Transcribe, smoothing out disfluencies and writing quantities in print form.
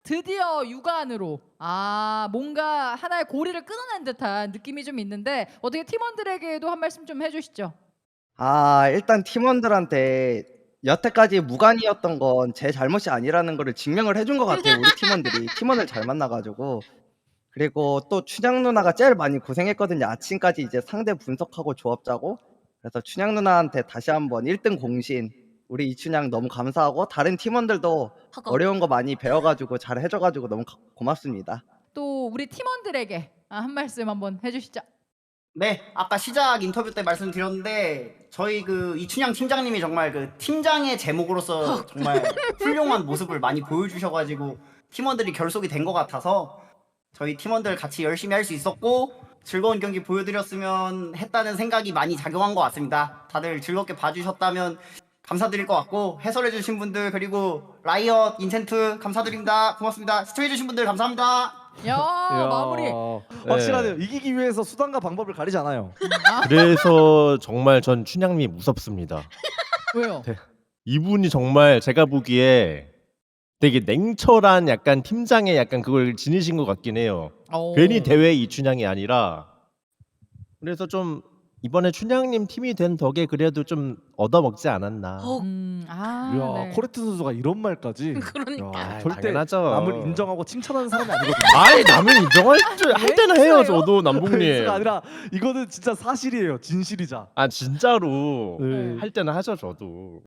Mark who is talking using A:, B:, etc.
A: 드디어 육안으로 뭔가 하나의 고리를 끊어낸 듯한 느낌이 좀 있는데 어떻게 팀원들에게도 한 말씀 좀 해주시죠.
B: 일단 팀원들한테 여태까지 무관이었던 건 제 잘못이 아니라는 거를 증명을 해준 것 같아요. 우리 팀원들이 팀원을 잘 만나 가지고. 그리고 또 춘향 누나가 제일 많이 고생했거든요. 아침까지 이제 상대 분석하고 조합 짜고. 그래서 춘향 누나한테 다시 한번 1등 공신 우리 이춘향 너무 감사하고 다른 팀원들도
C: 허거.
B: 어려운 거 많이 배워 가지고 잘 해줘 가지고 너무 고맙습니다.
A: 또 우리 팀원들에게 한 말씀 한번 해주시죠.
D: 네, 아까 시작 인터뷰 때 말씀드렸는데 저희 그 이춘향 팀장님이 정말 그 팀장의 제목으로서 정말 훌륭한 모습을 많이 보여주셔가지고 팀원들이 결속이 된 것 같아서 저희 팀원들 같이 열심히 할 수 있었고 즐거운 경기 보여드렸으면 했다는 생각이 많이 작용한 것 같습니다. 다들 즐겁게 봐주셨다면 감사드릴 것 같고 해설해주신 분들 그리고 라이엇 인센트 감사드립니다. 고맙습니다. 시청해주신 분들 감사합니다.
A: 야, 마무리.
E: 확실하네요. 이기기 위해서 수단과 방법을 가리지 않아요.
F: 그래서 정말 전 춘향님이 무섭습니다.
A: 왜요?
F: 이분이 정말 제가 보기에 되게 냉철한 약간 팀장의 약간 그걸 지니신 것 같긴 해요. 괜히 대회 이춘향이 아니라. 그래서 좀 이번에 춘향님 팀이 된 덕에 그래도 좀 얻어먹지 않았나.
E: 이야,
A: 네.
E: 코레트 선수가 이런 말까지.
C: 그러니까.
E: 야,
F: 아,
E: 절대
F: 당연하죠.
E: 남을 인정하고 칭찬하는 사람이 아니거든요.
F: 아이 남을 인정할 줄 할 때는 해요
A: 웬수예요?
F: 저도 남북님.
E: 가 아니라 이거는 진짜 사실이에요. 진실이자.
F: 아 진짜로
E: 네.
F: 할 때는 하죠 저도.